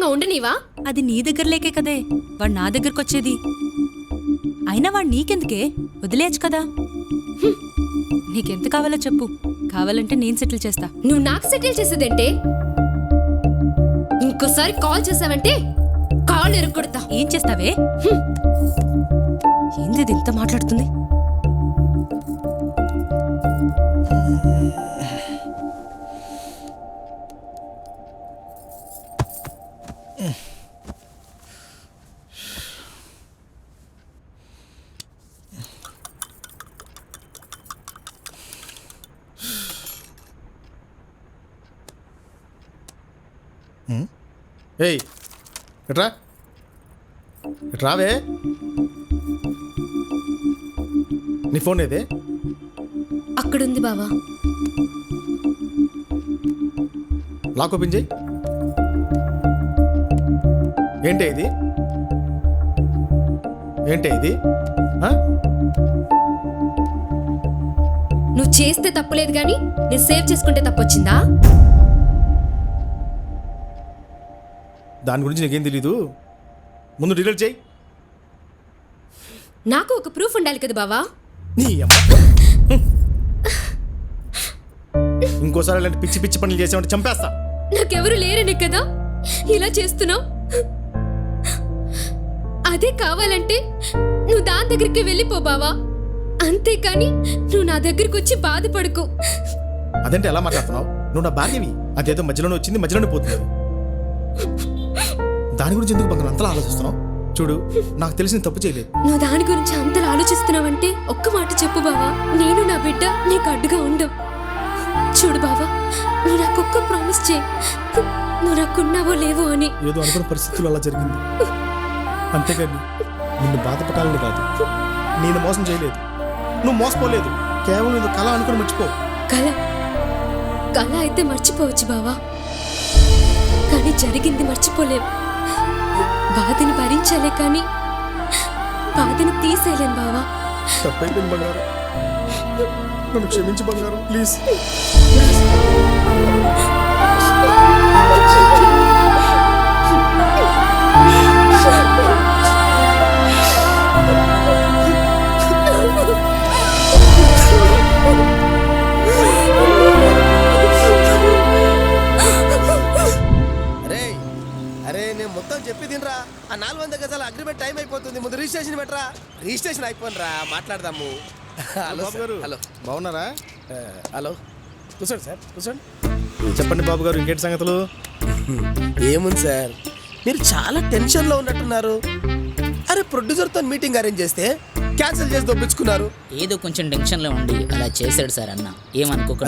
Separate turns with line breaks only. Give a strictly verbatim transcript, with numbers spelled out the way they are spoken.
ప్రశాంతంగా ఉండనివా?
అది నీ దగ్గర లేకే కదే వాడు నా దగ్గరకు వచ్చేది. అయినా వాడు నీకెందుకే, వదిలేయచ్చు కదా. నీకెంత కావాలో చెప్పు, కావాలంటే నేను సెటిల్ చేస్తా.
నువ్వు నాకు సెటిల్ చేసేదంటే ఇంకోసారి కాల్ చేసావంటే కాల్ ఎరుక్కొడతా.
ఏం చేస్తావే? ఏంది ఇది ఇంత మాట్లాడుతుంది?
ఏయ్ ఎట్రా ఎట్రావే, నీ ఫోన్ ఏదే?
అక్కడుంది బావా.
లాక్ ఓపెన్ చేయి. ఏంటే ఇది? ఏంటే ఇది?
నువ్వు చేస్తే తప్పులేదు కానీ నేను సేవ్ చేసుకుంటే తప్పొచ్చిందా?
దాని గురించి నీకేం తెలీదు, ముందు డిలీట్ చేయి.
నాకు ఒక ప్రూఫ్ ఉండాలి కదా బావా.
నీ అమ్మ, ఇంకోసారి ఇలాంటి పిచ్చి పిచ్చి పనులు చేసామంటే చంపేస్తా.
నాకెవరు లేరనే కదా ఇలా చేస్తున్నావు. అదే కావాలంటే నువ్వు దాని దగ్గరికి వెళ్ళిపో బావా, అంతేకాని నువ్వు నా దగ్గరికి వచ్చి బాధపడుకో.
అదంటే ఎలా మాట్లాడుతున్నావు? నువ్వు నా భార్యవి, అదేదో మధ్యలోనే వచ్చింది మధ్యలోనే పోతుంది. దాని గురించి ఎందుకు బంగారం అంతలా ఆలోచిస్తున్నావు? చూడు, నాకు తెలిసిన తప్పు చేయలేదు.
నువ్వు దాని గురించి అంతలా ఆలోచిస్తున్నావంటే ఒక్క మాట చెప్పు బావా, నేను నా బిడ్డ నీకు అడ్డుగా ఉండం. చూడు బావా, నువ్వు నాకు ఒక్క ప్రామిస్ చేయి, నువ్వు నాకున్నావో లేవో అని.
ఏదో అనుకున్న పరిస్థితులు అలా జరిగింది, అంతేగాని నిన్ను బాధపడాలని కాదు. నేను మోసం చేయలేదు, నువ్వు మోసపోలేదు, కేవలం ఏదో కళ అనుకుని మర్చిపో.
కళ కళ అయితే మర్చిపోవచ్చు బావా, కానీ జరిగింది మర్చిపోలేవు. బాధని భరించాలే కానీ బాధని తీసేయలేం బావా.
తప్పైపోయింది బంగారం, నన్ను క్షమించి బంగారం, ప్లీజ్.
మొత్తం చెప్పి తినరా. ఆ నాలుగు వందల గజాల అగ్రిమెంట్ టైం అయిపోతుంది, ముందు రిజిస్ట్రేషన్ పెట్టరా. రిజిస్ట్రేషన్ అయిపోయిన రా, మాట్లాడదాము. హలో
బాబు గారు,
హలో
బాగున్నారా?
హలో కూర్చోండి సార్, కూర్చోండి.
చెప్పండి బాబు గారు, ఇంకేంటి సంగతులు?
ఏముంది సార్, మీరు చాలా టెన్షన్లో ఉన్నట్టున్నారు. అరే ప్రొడ్యూసర్తో మీటింగ్ అరేంజ్ చేస్తే క్యాన్సిల్ చేసి దొప్పించుకున్నారు.
ఏదో కొంచెం టెన్షన్లో ఉండి అలా చేశాడు సార్ అన్న, ఏమనుకోకండి.